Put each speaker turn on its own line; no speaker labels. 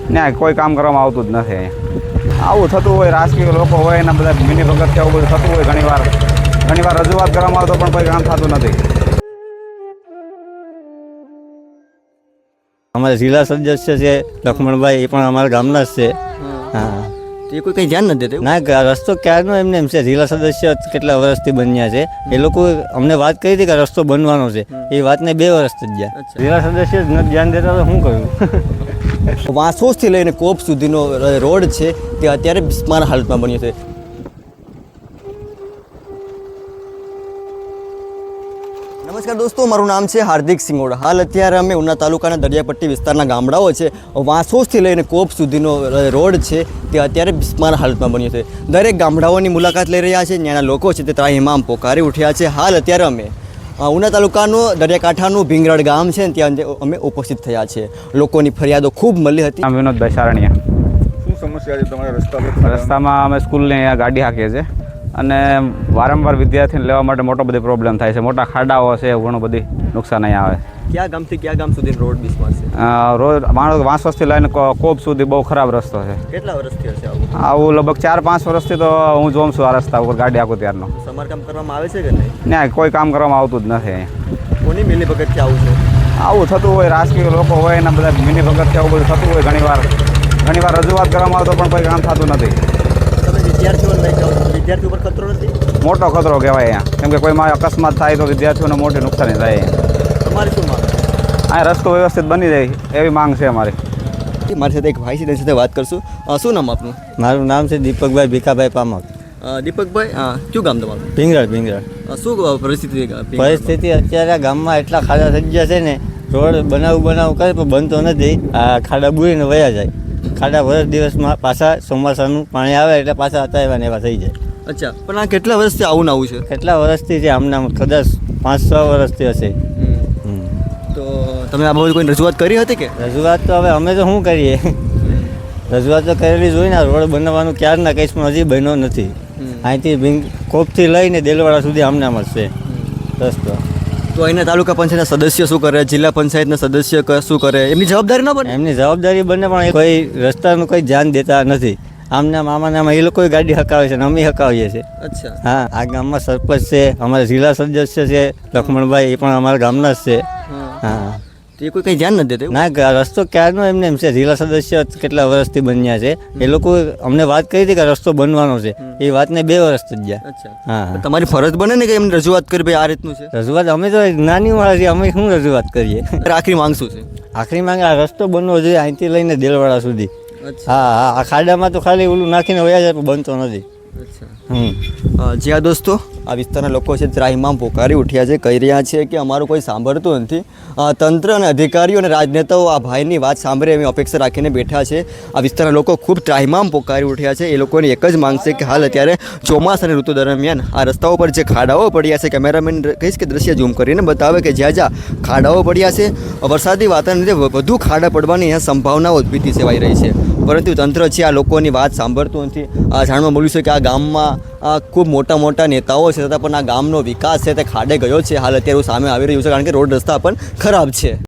ત્યાં કોઈ કામ કરવામાં આવતું જ નથી અહીંયા. આવું થતું હોય, રાજકીય લોકો હોય એના બધા મિની ભગત કે આવું બધું થતું હોય. ઘણીવાર રજૂઆત કરવામાં આવે તો પણ કોઈ કામ થતું નથી.
અમારા જિલ્લા સદસ્ય છે લક્ષ્મણભાઈ, એ પણ અમારા ગામના જ છે. હા,
એ કોઈ કંઈ ધ્યાન નથી દેતું.
ના, રસ્તો ક્યારનો એમને એમ છે. જિલ્લા સદસ્ય કેટલા વર્ષથી બન્યા છે. એ લોકો અમને વાત કરી હતી કે રસ્તો બનવાનો છે. એ વાતને 2 વર્ષ થઈ ગયા. જિલ્લા સદસ્ય જ નથી ધ્યાન દેતા તો શું કહ્યું.
વાંસોસથી લઈને કોપ સુધીનો રોડ છે તે અત્યારે બિસ્માર હાલતમાં બન્યો છે. નમસ્કાર દોસ્તો, મારું નામ છે હાર્દિક સિંગોડા. હાલ અત્યારે અમે ઉના તાલુકાના દરિયાપટ્ટી વિસ્તારના ગામડાઓ છે, વાંસોસથી લઈને કોપ સુધીનો રોડ છે તે અત્યારે બિસ્માર હાલતમાં બન્યો છે. દરેક ગામડાઓની મુલાકાત લઈ રહ્યા છે. ત્યાંના લોકો છે તે ત્રાહિમામ પોકારી ઉઠ્યા છે. હાલ અત્યારે અમે ઉના તાલુકાનું દરિયાકાંઠાનું ભીંગરાડ ગામ છે ત્યાં અમે ઉપસ્થિત થયા છે. લોકોની ફરિયાદો ખૂબ મળી હતી.
આમ વિનોદભાઈ સારણિયા.
શું સમસ્યા છે તમારા રસ્તા પર?
રસ્તામાં અમે સ્કૂલને અહીંયા ગાડી હાંકીએ છીએ અને વારંવાર વિદ્યાર્થીને લેવા માટે મોટો બધી પ્રોબ્લેમ થાય છે. મોટા ખાડાઓ છે, ઘણું બધી નુકસાન અહીંયા આવે.
ક્યાં ગામથી ક્યાં ગામ સુધી રોડ બિસ્માર છે?
રોજ માણસ વાંસોસથી લઈને કોપ સુધી બહુ ખરાબ રસ્તો છે.
કેટલા વર્ષથી હશે આવું?
આવું લગભગ 4-5 વર્ષથી તો હું જોઉં છું આ રસ્તા ઉપર ગાડી હાંકું ત્યારનો.
સમારકામ કરવામાં આવે છે કે નહીં?
ત્યાં કોઈ કામ કરવામાં આવતું જ નથી અહીંયા.
કોની મિલીભગતથી આવું છે?
આવું થતું હોય, રાજકીય લોકો હોય એના બધા મિની ભગત કે આવું બધું થતું હોય. ઘણીવાર રજૂઆત કરવામાં આવે તો પણ કોઈ કામ થતું નથી.
તમે વિદ્યાર્થીઓને લઈ જાઓ છો, વિદ્યાર્થીઓ પર ખતરો નથી?
મોટો ખતરો કહેવાય અહીંયા, કેમ કે કોઈમાં અકસ્માત થાય તો વિદ્યાર્થીઓને મોટી નુકસાની થાય અહીંયા.
તમારી શું માંગ?
અહીંયા રસ્તો વ્યવસ્થિત બની જાય એવી માંગ છે અમારી.
મારી સાથે એક ભાઈ છે, તેની સાથે વાત કરશું. શું નામ આપનું?
મારું નામ છે દીપકભાઈ ભીખાભાઈ પામક.
દીપકભાઈ, કયું ગામ તમારું?
ભીંગરાડ.
શું પરિસ્થિતિ?
પરિસ્થિતિ અત્યારે આ ગામમાં એટલા ખાડા થઈ ગયા છે ને, રોડ બનાવું કરે પણ બનતો નથી. આ ખાડા બુરીને વયા જાય. ખાડા વર્ષ દિવસમાં પાછા ચોમાસાનું પાણી આવે એટલે પાછા હતા એવા થઈ જાય.
અચ્છા, પણ આ કેટલા વર્ષથી આવું આવું છે?
કેટલા વર્ષથી છે આમના? કદાચ 5-6 વર્ષથી હશે.
તો તમે આ બાબતે કોઈ રજૂઆત કરી હતી કે?
રજૂઆત તો હવે અમે તો શું કરીએ, રજૂઆત તો કરેલી જોઈને. રોડ બનાવવાનું ક્યારના કહીશ પણ હજી બન્યો નથી. અહીંથી કોપથી લઈને દેલવાડા સુધી આમનામ જ છે રસ્તો.
તો અહીંના તાલુકા પંચાયતના સદસ્ય શું કરે, જિલ્લા પંચાયતના સદસ્ય શું કરે? એમની જવાબદારી ન બને?
એમની જવાબદારી બને પણ કોઈ રસ્તાનું કોઈ ધ્યાન દેતા નથી. આમના મામાનામાં એ લોકો ગાડી હકાવે છે ને અમે હકાવીએ છીએ.
અચ્છા.
હા, આ ગામમાં સરપંચ છે, અમારા જિલ્લા સદસ્ય છે લક્ષ્મણભાઈ, એ પણ અમારા ગામના જ છે. હા,
એ કોઈ કંઈ ધ્યાન નથી દેતું.
ના, રસ્તો ક્યારનો એમને એમ છે. જિલ્લા સદસ્ય કેટલા વર્ષથી બન્યા છે. એ લોકો અમને વાત કરી હતી કે રસ્તો બનવાનો છે. એ વાતને 2 વર્ષ થઈ ગયા.
અચ્છા.
હા,
તમારી ફરજ બને ને કે એમને રજૂઆત કરી, ભાઈ આ રીતનું છે?
રજૂઆત અમે તો નાની વાળા છીએ, અમે શું રજૂઆત કરીએ.
આખરી માંગ શું છે?
આખરી માંગે આ રસ્તો બનવો જોઈએ અહીંથી લઈને દેલવાડા સુધી. હા, આ ખાડામાં તો ખાલી ઓલું નાખીને વયા જાય પણ બનતો નથી.
જી હા દોસ્તો, આ વિસ્તારના લોકો છે ત્રાહિમામ પોકારી ઉઠ્યા છે, કહી રહ્યા છે કે અમારું કોઈ સાંભળતું નથી. તંત્ર અને અધિકારીઓ અને રાજનેતાઓ આ ભાઈની વાત સાંભળે એવી અપેક્ષા રાખીને બેઠા છે. આ વિસ્તારના લોકો ખૂબ ત્રાહિમામ પોકારી ઉઠ્યા છે. એ લોકોની એક જ માંગ છે કે હાલ અત્યારે ચોમાસાની ઋતુ દરમિયાન આ રસ્તાઓ પર જે ખાડાઓ પડ્યા છે, કેમેરામેન કહીશ કે દ્રશ્ય ઝૂમ કરીને બતાવે કે જ્યાં ખાડાઓ પડ્યા છે, વરસાદી વાતાવરણને વધુ ખાડા પડવાની અહીંયા સંભાવનાઓ ભીતિ સેવાઈ રહી છે. પરંતુ તંત્ર છે આ લોકોની વાત સાંભળતું નથી. જાણવા મળ્યું છે કે આ ગામમાં ખૂબ મોટા નેતાઓ છે, છતાં પણ આ ગામનો વિકાસ છે તે ખાડે ગયો છે. હાલ અત્યારે સામે આવી રહ્યું છે કારણ કે રોડ રસ્તા પણ ખરાબ છે.